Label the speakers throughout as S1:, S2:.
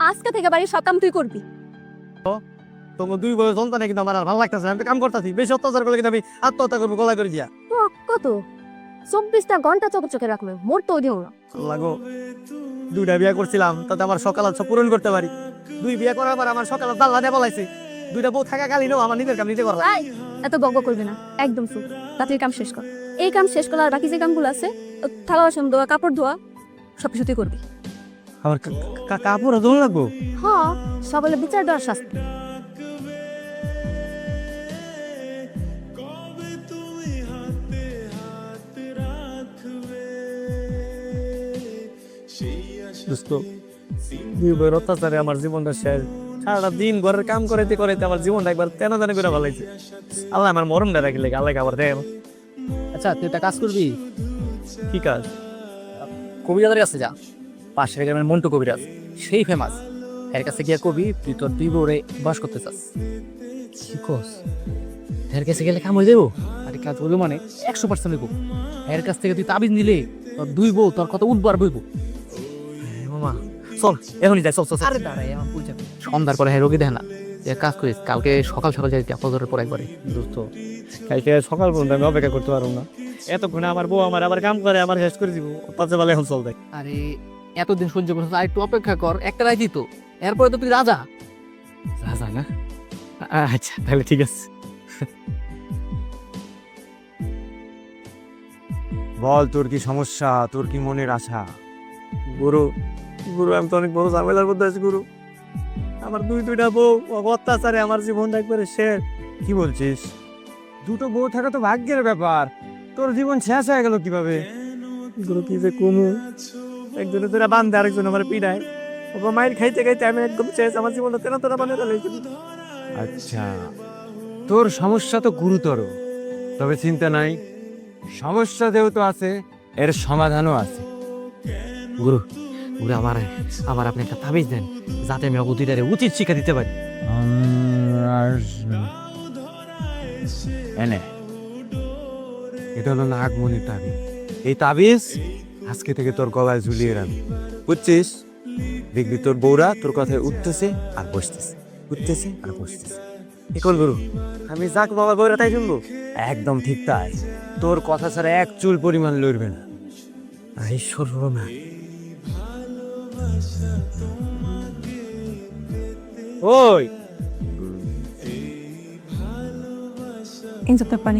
S1: আজকে থেকে বাড়ির সব কাম তুই করবি।
S2: তোমার দুই বছর সন্তানে কিন্তু আমার আর ভালো লাগতেছে, আমি তো কাম করতেছি, বেশি অত্যাচার করলে কিন্তু আমি আত্মহত্যা করবো গলায় করে দিয়া।
S1: কত 24টা ঘন্টা চোখে রাখবে, মোর তো দিও না।
S2: লাগো, দুইটা বিয়ে করছিলাম, তাতে আমার সকাল সব পূরণ করতে পারি। দুই বিয়ে করার পর আমার সকাল দাল্লা দিয়ে বলাইছে, দুইটা বউ থাকা কালীনও আমার নিজের কাম নিজে করা।
S1: এই, এত বকবক করবি না, একদম চুপ। রাতের কাম শেষ কর। এই কাম শেষ করলে আর বাকি যে কামগুলো আছে, থালা বাসন ধোয়া, কাপড় ধোয়া, সবকিছু তুই করবি।
S2: আমার কাপড় ধোয়া লাগবো?
S1: হ্যাঁ, সবলে বিচার দেওয়ার শাস্তি।
S2: দোস্ত, দুই বউয়ের অত্যাচারে আমার জীবনটা শেষ। সারাটা দিন ঘরের কাম করাইতে করাইতে আমার জীবনটা একবার তেনা তেনা করে ভালাইছে। আল্লাহ আমার মরমটা রাখিলে, আল্লাহ আবার দেয়।
S3: আচ্ছা, তুই একটা কাজ করবি,
S2: কি কাজ?
S3: কবিরাজের কাছে যা। পাশের গ্রামের মন্টু কবিরাজ, সেই ফেমাস। এর কাছে গিয়া কবি তুই তোর দুই বউরে বাস করতে চাস। কি কস? এর কাছে গেলে কাম হয়ে যাবো? আরে কাজ হইব মানে 100% হইব। এর কাছ থেকে তুই তাবিজ নিলে তোর দুই বউ তোর কত উঠবার বইব।
S2: মামা চল, এখনই যাই, চল চল।
S3: আরে দাঁড়াই, আমার বুঝা সন্ধ্যার পরে হ্যাঁ রোগী দেখ না। এক কাজ করিস, কালকে সকাল সকাল যাই ফজরের পর একবারে।
S2: দোস্ত, কালকে সকাল পর্যন্ত আমি অপেক্ষা করতে পারবো না। এতক্ষণে আমার বউ আমার আবার কাম করে আমার শেষ করে দিব। পাঁচে বেলা এখন চল দেয়।
S3: আরে এতদিন সহ্য করছিস, আর একটু অপেক্ষা কর, একটা রাইতি তো, এরপরে তো তুই রাজা।
S2: রাজা না? আচ্ছা তাহলে ঠিক আছে।
S4: বল, তোর কি সমস্যা, তোর কি মনের আশা?
S2: গুরু, গুরু আমি তো অনেক বড় ঝামেলার মধ্যে আছি গুরু। আমার দুইটা বউ অত্যাচারে আমার জীবনটা একবারে শেষ।
S4: কি বলছিস? দুটো বউ থাকা তো ভাগ্যের ব্যাপার, তোর জীবন শেষ হয়ে গেল কিভাবে?
S2: গুরু কি যে কমু, একজনের তোরা বান্ধে আরেকজন আমার পিড়ায়। ওপর মায়ের খাইতে খাইতে আমি একদম শেষ, আমার জীবনটা তেনা তেনা বানিয়ে ফেলেছি।
S4: আচ্ছা, তোর সমস্যা তো গুরুতর, তবে চিন্তা নাই, সমস্যা যেহেতু আছে এর সমাধানও আছে।
S3: গুরু, গুরু আমার আমার আপনি একটা তাবিজ দেন, যাতে আমি অবধিটারে উচিত শিক্ষা দিতে পারি।
S4: এনে, এটা হলো নাগমণির তাবিজ। এই তাবিজ আজকে থেকে তোর গলায় ঝুলিয়ে রাখবি, বুঝছিস? দেখবি তোর বউরা তোর কথায় উঠতেছে আর বসতেছে, উঠতেছে আর বসতেছে।
S2: এখন গুরু, আমি যাক বাবা বউরা তাই শুনবো?
S4: একদম ঠিক তাই, তোর কথা ছাড়া এক চুল পরিমাণ লড়বে না।
S2: ঈশ্বর না। ওই
S1: ইনসাফ পানি।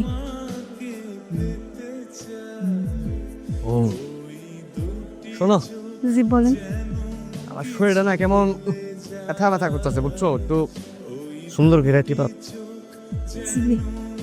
S2: ও শোনো,
S1: জি বলেন।
S2: আমার শরীরটা না কেমন ব্যথা ব্যথা করতেছে, বুঝছো? একটু সুন্দর ভেরাইটি পাব।
S1: জি।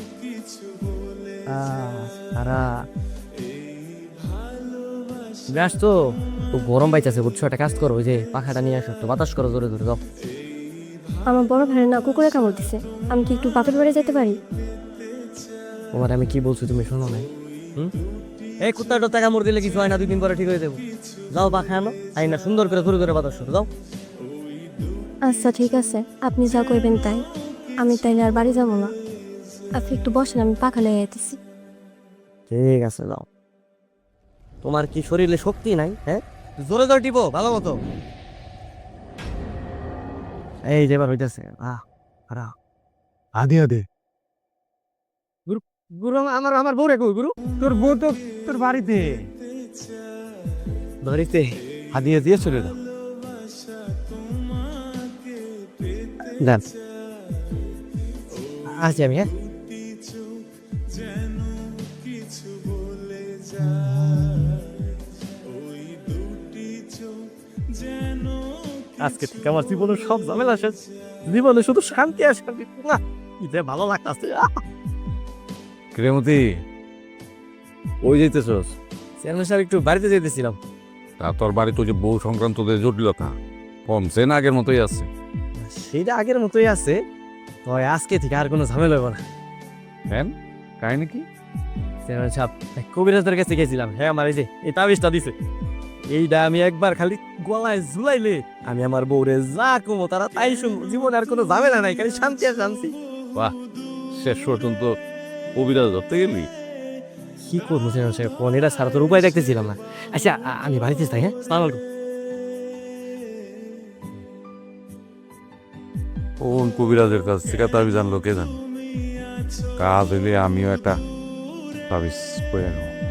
S3: ব্যাস তো, তো গরম পাইতেছে বুঝছো, একটা কাজ করো, ওই যে পাখাটা নিয়ে আসো, একটু বাতাস করো জোরে জোরে, যাও।
S1: আমার বড় ভাইয়ের না কুকুরে কামড় দিছে, আমি কি একটু বাপের বাড়ি যেতে পারি?
S3: তোমার আমি কি বলছি তুমি শোনো নাই?
S2: এই কুত্তাটা টাকা মর দিলে কিছু হয় না, 2 দিন পরে ঠিক হয়ে যাবো। যাও পাখা আনো, আই না সুন্দর করে ঘুরে ঘুরে বাতাস করো, যাও।
S1: আচ্ছা ঠিক আছে, আপনি যা কইবেন তাই। আমি তাইলে আর বাড়ি যাবো না, আপনি একটু বসেন, আমি পাখা লেগে আইতেছি।
S2: ঠিক আছে, যাও। তোমার কি শরীরে শক্তি নাই? হ্যাঁ, জোরে জোরে টিপো ভালো মতো। এই যে এবার হইতেছে।
S4: আদে আদে,
S2: গুরু, আমার আমার বউ রে কই গুরু?
S4: তোর বউ তো তোর বাড়িতে।
S2: ধরিতে
S4: হাদিয়া দিয়ে চলে দাও।
S2: দেন, আসছি আমি। হ্যাঁ, আজকে থেকে আমার জীবনের সব ঝামেলা শেষ। জীবনে শুধু শান্তি আর শান্তি। না, কি যে ভালো লাগতাছে।
S4: ক্রেমতি, ওই যাইতেছস?
S2: চেয়ারম্যান সাহেব, একটু বাড়িতে যেতেছিলাম।
S5: তা তোর বাড়িতে ওই যে বউ সংক্রান্ত যে জটিলতা কমছে না, আগের মতোই আছে?
S2: সেটা আগের মতোই আছে, তবে আজকে থেকে আর কোনো ঝামেলা হইব না।
S5: কেন, কাহিনী কি?
S2: চেয়ারম্যান সাহেব, এক কবিরাজদের কাছে গেছিলাম। হ্যাঁ, আমার এই যে এই তাবিজটা দিছে, এইটা আমি একবার খালি গলায় ঝুলাইলে আমি আমার বউরে যা কমো তারা তাই শুনবো। জীবনে আর কোনো ঝামেলা নাই, খালি শান্তি আর শান্তি।
S5: বাহ, শেষ পর্যন্ত কবিরাজ ধরতে গেলি?
S2: কি করবো চেয়ারম্যান সাহেব, কোন এটা ছাড়া তোর উপায় দেখতেছিলাম না। আচ্ছা, আমি বাড়িতে যাই। হ্যাঁ, সালাম আলাইকুম।
S5: কোন কবিরাজের কাছ থেকে তাবিজ আনলো কে জানে। কাজ হইলে আমিও একটা তাবিজ করে নেব।